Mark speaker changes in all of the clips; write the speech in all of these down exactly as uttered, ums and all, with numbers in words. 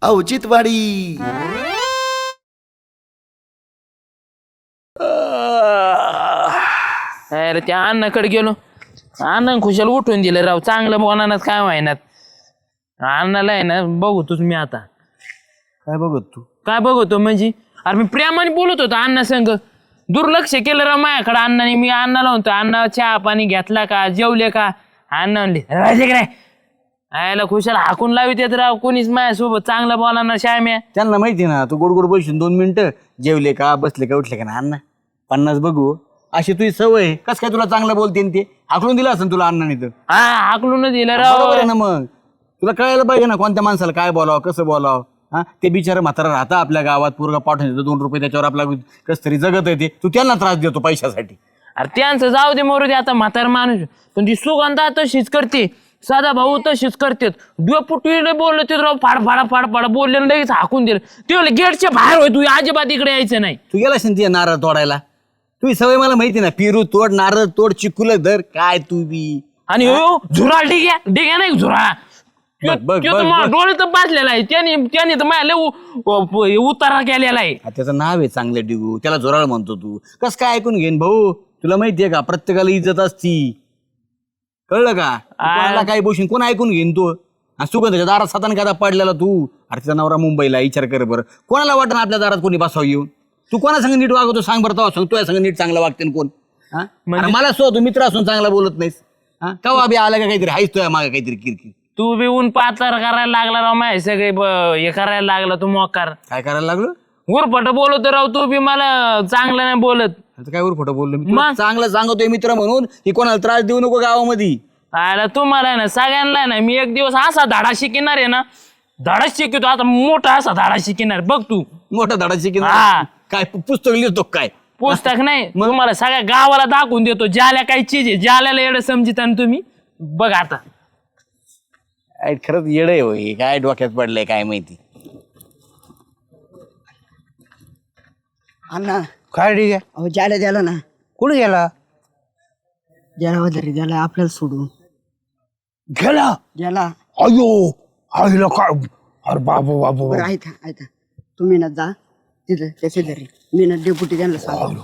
Speaker 1: औचित्यवाडी.
Speaker 2: अरे त्या अण्णाकडे गेलो, अण्णा खुशाल उठून दिलं राव. चांगलं बोलणार काय व्हायनात. अण्णाला आहे ना बघतोच मी आता.
Speaker 3: काय बघत तू?
Speaker 2: काय बघतो म्हणजे अरे मी प्रेमाने बोलत होतो अण्णा संग. दुर्लक्ष केलं राव माझ्याकडे अण्णाने. मी अण्णाला म्हणतो अण्णा चहा पाणी घेतला का, जेवले का? अण्णा म्हणले राहायचे काय. आयला खुशाल हाकून लावित येत राव. कोणीच माझ्यासोबत चांगलं बोलणार श्याम्या.
Speaker 3: त्यांना माहिती ना तू गोड गोड बोलशील दोन मिनिटं. जेवले का, बसले का, उठले का ना अण्णा पन्नास बघू. अशी तुझी सवय. कस काय तुला चांगलं बोलते ते हाकलून दिलं असं तुला अण्णाने तर.
Speaker 2: हा हाकलून दिलं राव.
Speaker 3: बरोबर आहे ना. मग तुला कळायला पाहिजे ना कोणत्या माणसाला काय बोलावं, कसं बोलावं. हा ते बिचारा म्हातारा राहता आपल्या गावात, पोरगा पाठवून देतो दोन रुपये त्याच्यावर आपला कस तरी जगत येते. तू त्यांना त्रास देतो पैशासाठी.
Speaker 2: अरे त्यांचं जाऊ दे मरू दे आता म्हातार माणूस. पण ती सुगंधा तशीच करते, साधा भाऊ तशीच करते. डुपुटीने बोलले ते राव फाड फाडा फाड फाडा बोलले लगेच हाकून दिलं. ते बोलले गेटच्या बाहेर होय, तू अजिबात इकडे यायचं नाही.
Speaker 3: तू गेला असेल नारळ तोडायला. तुझी सवय मला माहिती ना. पेरू तोड, नारळ तोड, चिकुल धर. काय तू बी.
Speaker 2: आणि हो झुरा डिग्या डिग्या नाही झुरा. डोळे तर बाजलेला आहे त्याने. त्याने तर माझ्या लय उतारा केलेला आहे.
Speaker 3: त्याचं नाव आहे चांगलं डिगू. त्याला जोराळ म्हणतो तू. कस काय ऐकून घेईन भाऊ. तुला माहितीये का प्रत्येकाला इज्जत असती. कळलं का? कोणाला काय बोलशील कोण ऐकून घेईन तू. सुगंधाच्या दारात सातान कादा पडलेला तू. अरे तिचा नवरा मुंबईला. विचार कर बरं. कोणाला वाटत आपल्या दारात कोणी बसावं येऊन. तू कोणा संग नीट वागवतो सांग बरं. तो सांग तुझ्या संग नीट चांगला वागते कोण. हा मला सो तू मित्र असून चांगला बोलत नाहीस. हा कवा बी आला का काहीतरी हायच तुझ्या मागे काहीतरी किरकिर.
Speaker 2: तू बी ऊन पाचार करायला लागला राव. माझे सगळे हे करायला लागला तू मोकार.
Speaker 3: काय करायला लागलो.
Speaker 2: उरफट बोलतो राव तू बी. मला चांगलं नाही बोलत.
Speaker 3: काय वर खोटं बोललो मी. चांगलं सांगतोय मित्र म्हणून की कोणाला त्रास देऊ नको गावामध्ये.
Speaker 2: आयला तुम्हाला आहे ना सगळ्यांना ना मी एक दिवस असा धाडा शिकणार आहे ना. धाडा शिकतो आता मोठा असा धाडा शिकणार बघ तू.
Speaker 3: मोठा धडा शिकेन.
Speaker 2: हा.
Speaker 3: काय पुस्तक लिहितो काय.
Speaker 2: पुस्तक नाही तुम्हाला सगळ्या गावाला दाखवून देतो. ज्याला काही चीज आहे ज्याला येडं समजित तुम्ही बघ आता.
Speaker 3: खरंच येड आहे होय. काय डोक्यात पडलंय काय माहिती.
Speaker 4: अण्णा
Speaker 5: काय ठीक आहे.
Speaker 4: अहो ज्याला द्याला ना.
Speaker 5: कुठे गेला.
Speaker 4: ज्याला वगैरे द्याला आपल्याला सोडून
Speaker 5: गेला.
Speaker 4: ज्याला
Speaker 5: अयो आईला काय. अरे बाबू बाबू
Speaker 4: बरं ऐका ऐका तुम्ही ना जा तिथं त्याचे घरी. मी ना डेपुटी त्यांना सांग.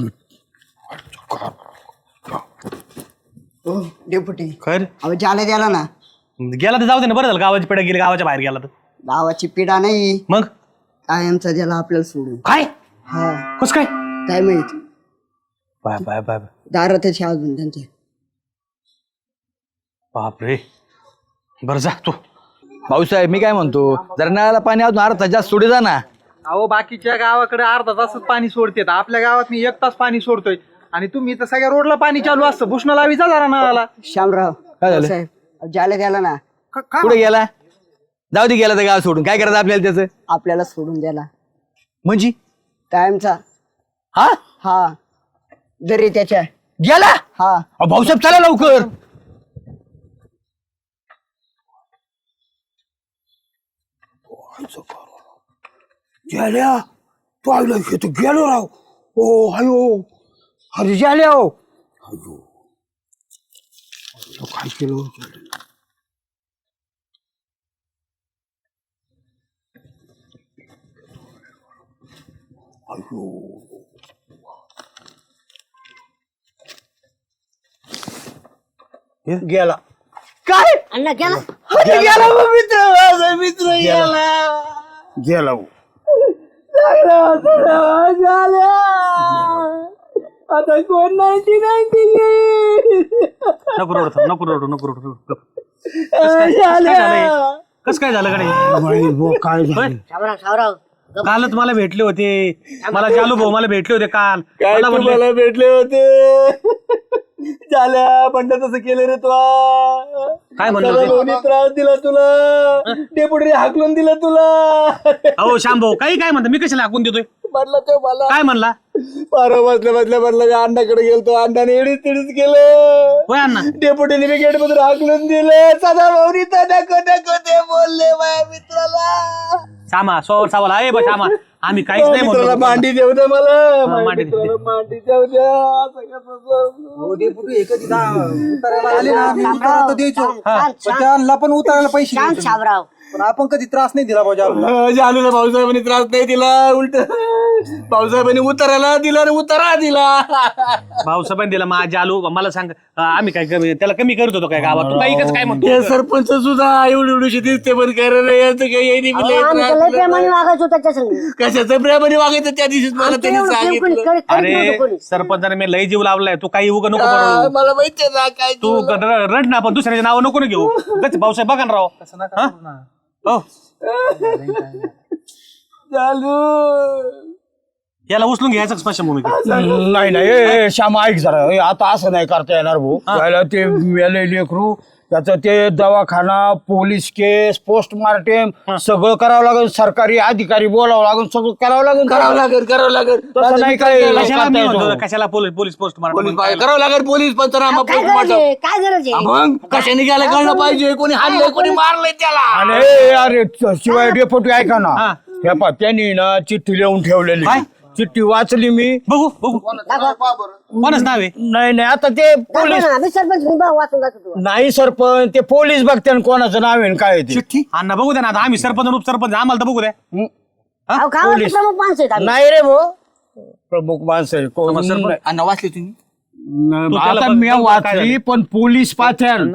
Speaker 4: हो डेपुटी.
Speaker 5: खर
Speaker 4: अहो ज्याला द्याला ना.
Speaker 5: गेला तर जाऊ दे ना. बरं झालं गावाची पेढा गेली. गावाच्या बाहेर गेला तर.
Speaker 4: गावाची पिढा नाही
Speaker 5: मग
Speaker 4: कायमचा ज्याला आपल्याला सोडून.
Speaker 5: काय
Speaker 4: हा
Speaker 5: कस काय.
Speaker 4: काय माहित.
Speaker 5: बाय बाय बाय
Speaker 4: दारात त्याचे अजून त्यांचे.
Speaker 5: बापरे. बरं जा तू.
Speaker 3: भाऊसाहेब मी काय म्हणतो जरा नळाला पाणी अजून अर्धा जास्त सोडे जा ना.
Speaker 6: अहो बाकीच्या गावाकडे अर्धा तासच पाणी सोडते. आपल्या गावात मी एक तास पाणी सोडतोय आणि तुम्ही तर सगळ्या रोडला पाणी चालू असतं. भूषण लावी जा जरा नळाला.
Speaker 4: श्यामराव
Speaker 3: काय झालं?
Speaker 4: साहेब अहो, ज्याला द्याला ना.
Speaker 3: कुठे गेला. जाऊ दे गेला तर गाव सोडून. काय करायचं आपल्याला त्याचं.
Speaker 4: आपल्याला सोडून द्याला
Speaker 3: म्हणजे
Speaker 4: कायमचा.
Speaker 3: हा
Speaker 4: हा जरी त्याच्या
Speaker 3: गेला.
Speaker 4: हा
Speaker 3: अहो, भाऊसाहेब चला लवकर.
Speaker 5: गेल्या तू आईला तू गेलो राव. ओ हायो. अरे गेल्या हो. अयो तो काय केलं. अयो गेला.
Speaker 3: काय
Speaker 4: अण्णा गेला.
Speaker 3: गेला मित्र. माझा मित्र गेला.
Speaker 5: गेला हो.
Speaker 4: आता कोण नाईन्टी नाईन्टी
Speaker 5: नको रडू थांब, नको रडू नको रडू. कस काय झालं कडे. काय झालं. कालच मला भेटले होते. मला जालू भाऊ मला भेटले होते काल. मला म्हणले
Speaker 3: मला भेटले होते. झाल्या पण तसं केलं रे तुला.
Speaker 5: काय म्हणलं होते?
Speaker 3: त्रास दिला तुला. डेपुटी हाकलून दिला तुला.
Speaker 5: अहो श्याम भाऊ काही काय म्हणता. मी कशाला हाकून देतोय.
Speaker 3: म्हटलं तो मला
Speaker 5: काय म्हणला.
Speaker 3: पारा बसल्या बसल्या म्हटलं मी अण्णाकडे गेलतो. अण्णाने एडीच तिडीच केलं.
Speaker 5: होय अण्णा.
Speaker 3: डेपुटीने मी गेट मधून हाकलून दिलं. सदा भाऊनी तर नको नको ते बोलले माझ्या मित्राला.
Speaker 5: श्यामा सोवर सावाला आहे बा श्यामा. आम्ही काहीच नाही
Speaker 3: मित्राला
Speaker 5: म्हणतो.
Speaker 3: मांडी देऊ द्या मला.
Speaker 5: हा,
Speaker 3: माझ्या
Speaker 5: मांडी देऊ
Speaker 3: मित्राला मांडी देऊ द्या. असं कसं
Speaker 6: आले ना मी उतारा तर द्यायचो. पण त्यांना पण उतारायला पैसे द्यायचो.
Speaker 4: शामराव
Speaker 6: पण आपण कधी त्रास नाही दिला भाऊ जालू
Speaker 3: जालूला भाऊसाहेबांनी त्रास नाही दिला, उलट भाऊसाहेबांनी उताराला दिला आणि उतारा दिला.
Speaker 5: भाऊसाहेबांनी दिला माझ्या जालू. मला सांग अं, आम्ही काय कमी त्याला कमी करत होतो काय गावात? तू काही काय म्हणतो?
Speaker 3: ते सरपंच सुद्धा एवढी एवढीशी दिसते पण काय रे याचं काही येणी बिणी येत
Speaker 4: आम्ही
Speaker 3: नाही.
Speaker 4: तर लय प्रेमाने वागायचो त्याच्या संग.
Speaker 3: कशाचं प्रेमाने वागायचं त्या दिवशीच मला त्यांनी
Speaker 4: एवढं प्रेम कोणी
Speaker 3: सांगितलं.
Speaker 4: करीत- करीत नव्हतं
Speaker 5: अरे
Speaker 4: कोणी.
Speaker 5: सरपंचाने मी लय जीव लावलाय. तू काही उगा नको
Speaker 3: हा,
Speaker 5: करू.
Speaker 3: मला माहितीये ना काय
Speaker 5: तू र- रड ना, पण दुसऱ्याचे नाव नको ना घेऊ. उगाच भाऊसाहेब बघा ना राव. हा? हो
Speaker 3: चालू
Speaker 5: याला उचलून घ्यायचं स्मशानभूमीत.
Speaker 1: नाही नाही ए, ए, श्यामा ऐक जरा ए, आता असं नाही करता येणार भाऊ. त्याला ते मेले लेकरू, त्याचं ते दवाखाना, पोलीस केस, पोस्टमार्टम सगळं करावं लागेल. सरकारी अधिकारी बोलावं लागेल, सगळं करावं लागेल.
Speaker 3: करावं लागेल करावं लागेल
Speaker 1: तसं नाही काय
Speaker 5: कशाला मी
Speaker 1: करता
Speaker 5: म्हणतो,
Speaker 1: येतो.
Speaker 5: कशाला पोलीस पोलीस पोस्ट
Speaker 3: पोलीस पाहिजे, करावं लागेल पोलीस पंचनामा
Speaker 4: काय गरज
Speaker 3: पोस्टमार्टम.
Speaker 4: आहे? काय गरज आहे?
Speaker 3: मग कशाने गेलं कळलं पाहिजे, कोणी हाणलंय कोणी मारलंय त्याला.
Speaker 1: आणि ए, अरे च- शिवाय डेपोटी ऐका ना, हे पा त्यांनी ना चिठ्ठी लिहून ठेवलेली. चिठ्ठी वाचली मी.
Speaker 5: बघू बघू कोणाच नाव आहे?
Speaker 1: नाही नाही आता ते पोलीस
Speaker 4: आम्ही सरपंच मी भाऊ वाचून जातो तू.
Speaker 1: नाही सरपंच, ते पोलीस बघते कोणाचं नाव आहे आणि काय आहे ते.
Speaker 5: अण्णा बघू द्या ना, आता आम्ही सरपंच आणि उपसरपंच आम्हाला तर बघू द्या.
Speaker 4: अहो, गावातले प्रमुख माणसं आहेत आम्ही.
Speaker 1: नाही रे भाऊ, प्रमुख माणसं आहे. कोण- नाही.
Speaker 3: अण्णा वाचले तुम्ही?
Speaker 5: तू त्याला
Speaker 1: आता
Speaker 5: बघ-
Speaker 1: मी
Speaker 5: बघ काय
Speaker 1: वाचली
Speaker 5: झालं.
Speaker 1: पण पोलीस पाथ्यान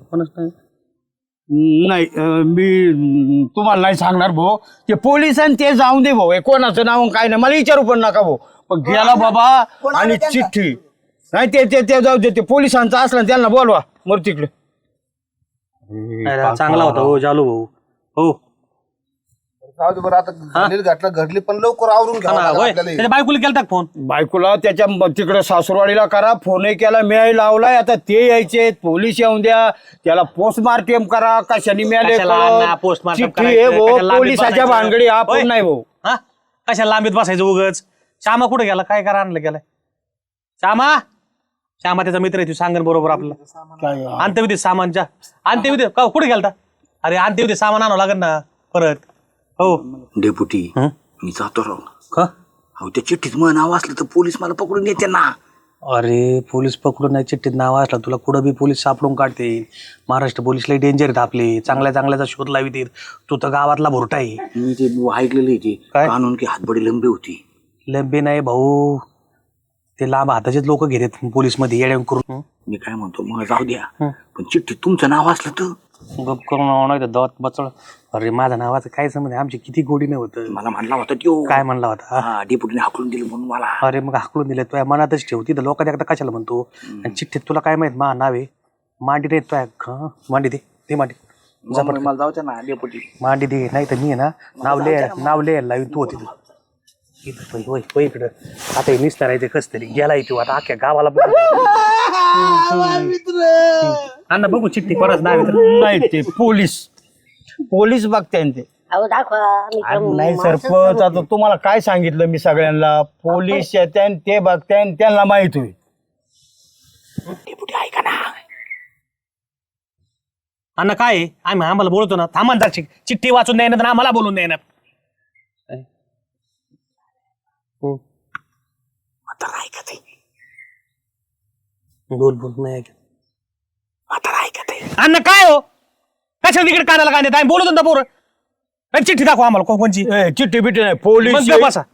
Speaker 1: नाही अं, मी अं, तुम्हाला नाही सांगणार भाऊ. ते पोलीस आणि ते जाऊन दे भाऊ, हे कोणाचं नाव आणि काय नाही मला विचारू पण नका भाऊ. पण गेला बाबा आणि चिठ्ठी नाही ते ते ते जाऊ दे. ते पोलिसांचं असलं ना त्यांना बोलवा मग तिकडे.
Speaker 5: नाही, चांगला होता हो जालू भाऊ. हो
Speaker 7: बरं आता घडली घातलं घडली पण लवकर आवरून घ्यावं लागेल
Speaker 5: होय.
Speaker 7: आपल्याला हे.
Speaker 5: त्याच्या बायकोला केलता का फोन?
Speaker 1: बायकोला त्याच्या म- तिकडे सासूरवाडीला करा, फोनही केला, मिळाई लावलाय. आता ते यायचे पोलीस येऊन द्या, त्याला पोस्टमार्टम करा, कशाने मिळाले
Speaker 5: कशाला
Speaker 1: कळत.
Speaker 5: अण्णा postmortem
Speaker 1: चिठ्ठी
Speaker 5: करायचं,
Speaker 1: आहे भाऊ,
Speaker 5: कशाला लांबीत
Speaker 1: पोलिसाच्या
Speaker 5: बसायचं?
Speaker 1: भानगडी
Speaker 5: होय.
Speaker 1: आपण नाही भाऊ.
Speaker 5: हा कशाला लांबीत बसायचं उगच? श्यामा कुठे गेला? काय करा आणलं गेलाय श्यामा? श्यामा त्याचा मित्र आहे, तू सांगन बरोबर आपल्याला. अंत्यविधी सामानच्या अंत्यविधी का कुठे गेलता? अरे अंत्यविधी सामान आणावं लागेल ना परत. हो
Speaker 3: डेपुटी मी जातो राव.
Speaker 5: का?
Speaker 3: अहो त्या चिठ्ठीत मग नाव असलं तर पोलीस मला पकडून येते ना.
Speaker 5: अरे पोलीस पकडून नाही, चिठ्ठीत नाव असला तुला कुठं बी पोलीस सापडून काढते. महाराष्ट्र पोलीस लई डेंजर आहेत आपले, चांगल्या चांगल्याचा शोध लावित. तू तर गावातला भोरटा आहे.
Speaker 3: मी ते ऐकलेलं आहे ते
Speaker 5: काय?
Speaker 3: कानून की हातबडी लंबी होती.
Speaker 5: लंबे नाही भाऊ, ते लांब हाताचेच लोक घेतात पोलीस मध्ये येड्या करून.
Speaker 3: मी काय म्हणतो मग जाऊ द्या, पण चिठ्ठीत तुमचं नाव असलं तर
Speaker 5: गप करून नाही तर दात बचळ. अरे माझ्या नावाचं काय समज, आमची किती गोडी नाही होत.
Speaker 3: मला म्हणला होता त्यो.
Speaker 5: काय म्हणला होता?
Speaker 3: हा डेपुटीने हाकलून दिलं म्हणून मला.
Speaker 5: अरे मग हाकलून दिलं तुझ्या मनातच ठेवती तर लोकांच्या एकदा कशाला म्हणतो. आणि चिठ्ठीत तुला काय माहित मा नाव आहे मांडी रे तुझ्या. मांडी दे ते मांडी
Speaker 3: मग मला जाऊ द्या ना डेपुटी.
Speaker 5: मांडी दे, नाही तर मी आहे ना नाव लिहाय नाव लिहायला लावीन तू होती. इकडं आता हे निसणार आहे ते कस तरी गेलाय तू आता अख्ख्या गावाला. अण्णा बघू चिठ्ठी कोणाच नाव आहे तर.
Speaker 1: नाही ते पोलीस पोलीस बघते ते.
Speaker 4: अहो दाखवा आम्ही
Speaker 1: अरे
Speaker 4: प्रमुख
Speaker 1: नाही
Speaker 4: माणसं
Speaker 1: सरपंच, आता तुम्हाला काय सांगितलं मी सगळ्यांना, पोलीस येते ते बघते त्यांना माहित होईल.
Speaker 3: डेपुटी ऐका ना.
Speaker 5: अण्णा काय आहे? आम्ही आम्हाला बोलतो ना थांबा चिठ्ठी वाचून द्यायना तर आम्हाला बोलून द्यायना.
Speaker 3: म्हातारा ऐकत आहे.
Speaker 5: बोल बोल नाही ऐकत.
Speaker 3: म्हातारा ऐकत आहे.
Speaker 5: अण्णा काय हो कशाला तिकडे कानाला काय देत आम्ही बोलतो ना पोरं. अरे चिठ्ठी दाखवा आम्हाला को- कोणची.
Speaker 1: ए, चिठ्ठी बिट्टी नाही, पोलीस
Speaker 5: मग गप्प बसा.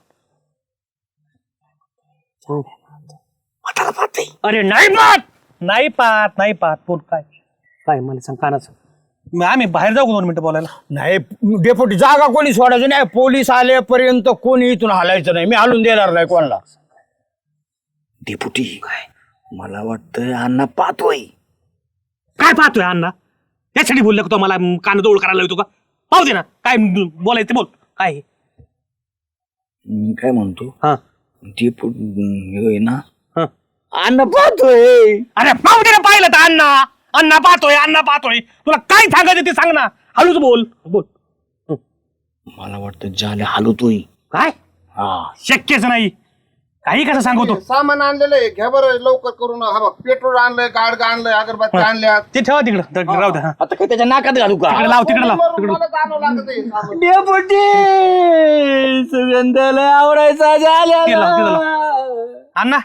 Speaker 3: म्हातारा पाहते.
Speaker 5: अरे नाही पाहत नाही पाहत नाही पाहत पोट काय काय मला सांग कानाचं. मग आम्ही बाहेर जाऊ का दोन मिनिटं बोलायला?
Speaker 1: नाही डेपुटी जागा कोणी सोडायची नाही, पोलीस आलेपर्यंत कोणी इथून हलायचं नाही, मी हलून देणार नाही कोणाला.
Speaker 3: डेपुटी मला वाटतं अण्णा पाहतोय.
Speaker 5: काय पाहतोय अण्णा? यासाठी बोलले का तो मला कान जवळ करायला येतो का? पाहू दे ना काय बोलायचं ते बोल. काय
Speaker 3: मी काय म्हणतो
Speaker 5: हा
Speaker 3: डेपुटी होय ना
Speaker 5: हा.
Speaker 1: अन्न पाहतोय.
Speaker 5: अरे पाहू दे ना, पाहिलं तर अण्णा अण्णा पाहतोय अण्णा पाहतोय. तुला काय सांगायचं ते सांग ना, हळूच बोल बोल.
Speaker 3: मला वाटतं जाले हलवतोय.
Speaker 5: काय
Speaker 3: हा
Speaker 5: शक्यच नाही, काही कसं सांगतो.
Speaker 7: सामान आणलेलं आहे घ्या बरं लवकर करून. हा बघ पेट्रोल आणलंय, गाड आणलंय, अगरबत्ती आणल्या.
Speaker 5: ते ठेवा तिकडं राहू द्या.
Speaker 3: आता काय त्याच्या नाकात घालू का?
Speaker 5: तिकडे लाव तिकडे लाव तिकडे.
Speaker 7: मला जाणवं लागत आहे सामान.
Speaker 1: डेपुटी सुगंधाला आवडायचा
Speaker 5: तिकडे लाव तिकडे
Speaker 1: झाल्या.
Speaker 5: लाव. अण्णा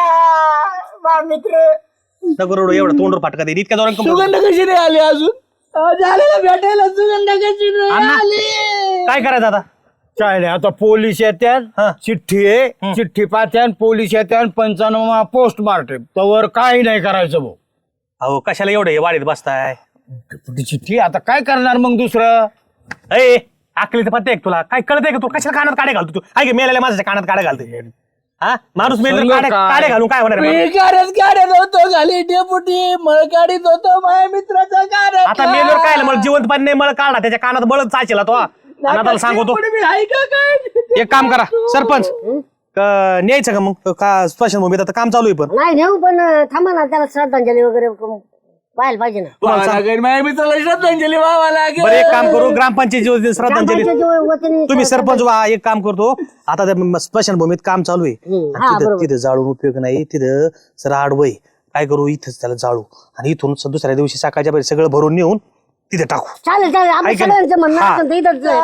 Speaker 1: मित्र
Speaker 5: दगड एवढं तोंडवर फाटका दे इतक्या जोरात.
Speaker 1: सुगंध कशी नाही आली अजून?
Speaker 4: भेटायला सुगंधा कशी
Speaker 5: काय करायचं आता
Speaker 1: काय नाही आता पोलीस
Speaker 5: हा.
Speaker 1: येत्यात चिठ्ठी आहे चिठ्ठी पाहत्यान पोलीस येत्यान पंचाण्णव पोस्टमार्टम तवर काही नाही करायचं भाऊ
Speaker 5: अहो कशाला एवढं हे वाढीत बसताय
Speaker 1: ती चिठ्ठी आता काय करणार मग दुसरं
Speaker 5: ए आकली तर पत्ते तुला काय कळतंय का तू कशाला कानात काड्या घालतो तू ऐक मेलेल्या माझ्या कानात काड्या घालते हा माणूस मेल
Speaker 1: सांग
Speaker 5: काड्या
Speaker 1: काय?
Speaker 5: काड्या घालून काय होणार आहे?
Speaker 4: गाड्यात गाड्यात होतो खाली डेपुटी मळ गाडीत होतो माझ्या मित्राचा गाड्या
Speaker 5: आता मेलवर काय मला जिवंत पाणी नाही मळ काढला त्याच्या कानात बळच चाचेला तो आणि आता सांगतो एक काम करा सरपंच क- न्यायचं का मग का स्मशानभूमीत आता काम चालू आहे पण
Speaker 8: नाही नेऊ पण थांबा ना त्याला श्रद्धांजली वगैरे क- व्हायला पाहिजे ना
Speaker 5: तुम्हाला सांग-
Speaker 4: माझ्या मित्राला श्रद्धांजली व्हावा लागेल
Speaker 5: बरं एक काम करू ग्रामपंचायत श्रद्धांजली
Speaker 8: ग्रामपंचायतीच्या वतीने
Speaker 5: तुम्ही सरपंच व्हा एक काम करतो आता त्या स्मशानभूमीत काम चालू आहे
Speaker 8: हम्म, हा,
Speaker 5: तिथं
Speaker 8: बरोबर.
Speaker 5: तिथं जाळून उपयोग नाही तिथं सर आडवय काय करू इथंच त्याला जाळू आणि इथून स- दुसऱ्या दिवशी सकाळच्या पहिले सगळं भरून नेऊन तिथे टाकू
Speaker 8: चालेल चालेल आपल्या
Speaker 5: ऐका ना.
Speaker 8: सगळ्यांचं म्हणणं
Speaker 5: हा.
Speaker 8: असेल तर इथंच
Speaker 5: चला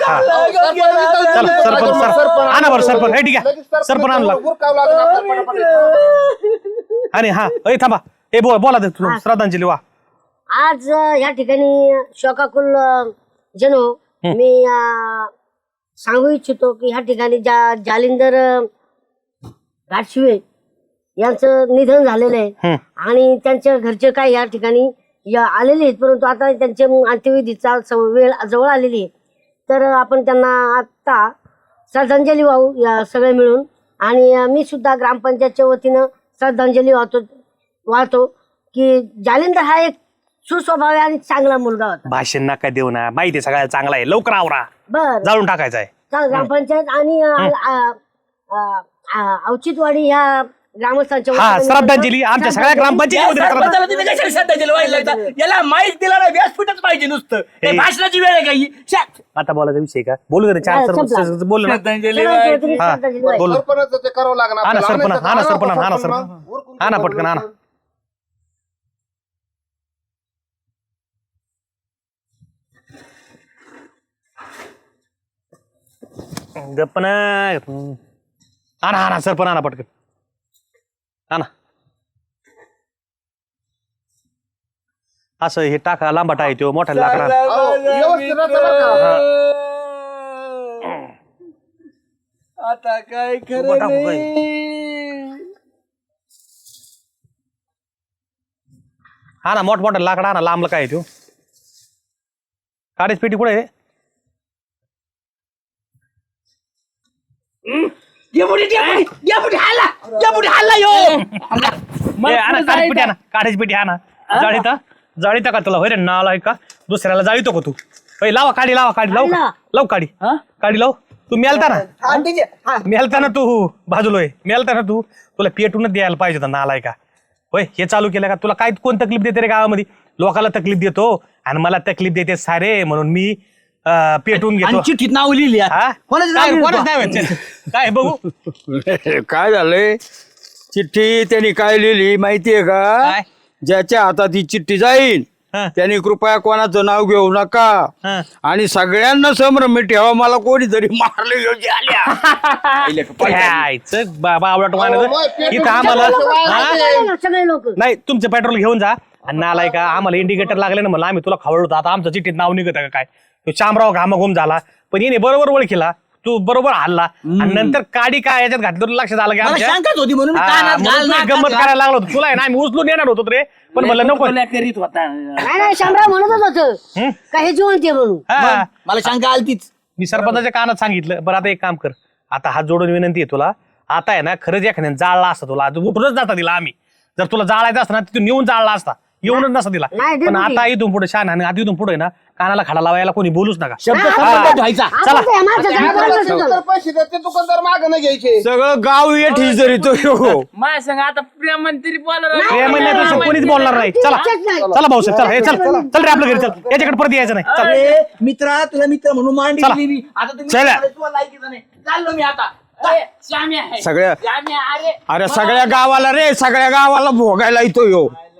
Speaker 5: सरपंच सर आणा बरं सरपंच हे ठीक आहे सरपंच आणला
Speaker 7: उरकावं लागलं आपल्याला पटापट.
Speaker 5: आणि हा ए थांबा हे बोल बोला ते तू, श्रद्धांजली वा
Speaker 8: आज अं, या ठिकाणी शोकाकुल अं, जनो मी अं, सांगू इच्छितो की ह्या ठिकाणी ज्या जालिंदर अं, घाटशिवे यांचं निधन झालेलं आहे आणि त्यांच्या घरचे काय या ठिकाणी या आलेले आहेत परंतु आता त्यांच्या अंत्यविधीचा स- वेळ जवळ आलेली आहे तर आपण त्यांना आता श्रद्धांजली वाहू या सगळे मिळून आणि अं, मी सुद्धा ग्रामपंचायतच्या वतीनं श्रद्धांजली वाहतो वाहतो की जालिंदर हा एक सुस्वभावी आणि चांगला मुलगा होता
Speaker 5: भाषण नका देऊ ना माहिती आहे सगळ्यात चांगला आहे लवकर आवरा
Speaker 8: बर
Speaker 5: जाळून टाकायचं आहे
Speaker 8: चाल ग्रामपंचायत आणि अं, अं, अं, अं, औचित्यवाडी ह्या ग्रामस्थांच्या
Speaker 5: हा
Speaker 8: वतीनं
Speaker 5: श्रद्धांजली आमच्या सगळ्या ग्रामपंचायती
Speaker 4: याला माहीत दिला ना व्यासपीठच पाहिजे नुसतं
Speaker 5: हे.
Speaker 4: भाषणाची वेळ आहे काही
Speaker 5: आता बोलायचा विषय का बोलू दे चार
Speaker 8: हा,
Speaker 5: सरपंच
Speaker 8: संपला.
Speaker 5: बोल ना
Speaker 8: सगळ्यांच्या वतीने
Speaker 5: हा,
Speaker 8: श्रद्धांजली वाहिली.
Speaker 5: बोल
Speaker 7: सरपंच ते करावं लागणार
Speaker 5: हा ना
Speaker 7: आपल्याला.
Speaker 5: सरपंच
Speaker 7: आणायचं
Speaker 5: हा ना
Speaker 7: तर
Speaker 5: सरपंच हा ना
Speaker 7: सरपंच
Speaker 5: सरपंच
Speaker 7: मग. उरकून
Speaker 5: हा ना
Speaker 7: ठेवा
Speaker 5: पटकन हा ना गप्पना हा ना हा ना सरपंच हा ना पटकन हा ना असं हे टाका लांबाटा आहे तो मोठा लाकडा
Speaker 7: अहो, व्यवस्थित राहतं बरं का?
Speaker 4: आता काय
Speaker 5: उभं
Speaker 4: खरं
Speaker 5: टाकू काय?
Speaker 4: नाही
Speaker 5: हा ना मोठ मोठा लाकडा हा ना लांबला काय आहे तो काडीच पेटी कुठे आहे
Speaker 4: डेपुटी डेपुटी डेपुटी हल्ला डेपुटी हल्ला यो
Speaker 5: ए, आणा, काडीच पेटी आणा काडीच पेटी आणा जाळीता जाळीता का तुला होय रे नाला आहे का दुसऱ्याला जाळीतो का तू होय लावा काडी लावा काडी लाव
Speaker 8: लावा.
Speaker 5: लाव काडी काडी लाव तू मेलता ना मेलता ना तू बाजूलोय मेलता ना तू तुला पेटूनच द्यायला पाहिजे होता नालाय का होय हे चालू केलं का तुला काय कोण तकलीफ देते रे गावामध्ये लोकाला तकलीफ देतो आणि मला तकलीफ देते सारे म्हणून मी अं, पेटून घेतो
Speaker 4: चिठ्ठीत नाव लिहिली आहे.
Speaker 5: हा?
Speaker 4: कोणाचं नाव
Speaker 5: काय
Speaker 4: लिहिलं
Speaker 5: कोणाचं
Speaker 4: तू?
Speaker 5: नाव आहे? चल, काय बघू
Speaker 1: काय झालंय चिठ्ठी त्यांनी काय लिहिली माहितीये का
Speaker 5: काय?
Speaker 1: ज्याच्या हातात ही चिठ्ठी जाईल
Speaker 5: हा.
Speaker 1: त्यांनी कृपया कोणाचं नाव घेऊ नका
Speaker 5: हा.
Speaker 1: आणि सगळ्यांना संभ्रम ठेवा मला कोणीतरी मारले योग्य आल्या
Speaker 5: यायचं बाबा आवडत
Speaker 7: अहो, मग पेट्रोल
Speaker 5: इथं आम्हाला
Speaker 7: पेट्रोल
Speaker 5: हा?
Speaker 8: सगळे लोक- सगळे लोक
Speaker 5: नाही तुमचं पेट्रोल घेऊन जा आणि नालाय का आम्हाला इंडिकेटर लागले ना म्हणलं आम्ही तुला खवळतो आता आमचं चिठ्ठीत नाव निघत का काय तो शामराव घामाघूम झाला पण येणे बरोबर ओळखीला तू बरोबर हल्ला आणि नंतर काडी काय याच्यात घातलं तुला लक्षात आलं की
Speaker 4: मला
Speaker 5: आमच्या
Speaker 4: शंकाच होती म्हणून
Speaker 5: हा,
Speaker 4: कानात
Speaker 5: म्हणून
Speaker 4: घाल,
Speaker 5: तुला
Speaker 4: नाकात
Speaker 5: गंमत
Speaker 4: घाल.
Speaker 5: करायला लागलो होतो तुला आहे ना आम्ही उचलून येणार होतो रे पण म्हणलं नको
Speaker 4: करीत होता
Speaker 8: नाही नाही शामराव म्हणतच होतं का हे जिवंत आहे म्हणून
Speaker 5: हा.
Speaker 4: मला शंका आलतीच
Speaker 5: मी सरपंचाच्या कानात सांगितलं बरं आता एक काम कर आता हात जोडून विनंती आहे तुला आता आहे ना खरंच एखाद्याने जाळला असता तुला आज उठूनच जाता दिला आम्ही जर तुला जाळायचं असतं ना तिथून नेऊन जाळला असता येऊनच नसता दिला
Speaker 8: नाही,
Speaker 5: पण
Speaker 8: डेपुटी.
Speaker 5: आता इथून पुढे शान आणि आधी इथून पुढे ना कानाला खडा लावायला कोणी बोलूच नका
Speaker 4: शब्द
Speaker 5: हा.
Speaker 4: संबंध व्हायचा
Speaker 5: चला.
Speaker 8: आपण त्या माणसाचं नाव
Speaker 7: आपल्याला
Speaker 8: काढलं
Speaker 7: दुकानदार पैसे देते दुकानदार माग नाही घ्यायचे
Speaker 1: सगळं गाव येत जरी तो हो
Speaker 2: माझ्या संग आता प्रेमंत्री बोला
Speaker 5: प्रेम म्हणण्यापेक्षा कोणीच बोलणार नाही चला चला भाऊसाहेब चला हे चल चल रे आपल्या घरी चल याच्याकडे परत यायचं नाही चल
Speaker 4: अरे मित्रा तुला मित्र म्हणून मांडी
Speaker 5: चला.
Speaker 4: दिली मी. आता तुम्ही
Speaker 1: चला.
Speaker 4: तुला लायकीचं नाही चाललो मी आता
Speaker 2: श्याम्या आहे
Speaker 1: सगळ्या
Speaker 2: श्याम्या अरे
Speaker 1: अरे सगळ्या गावाला रे सगळ्या गावाला भोगायला येतो यो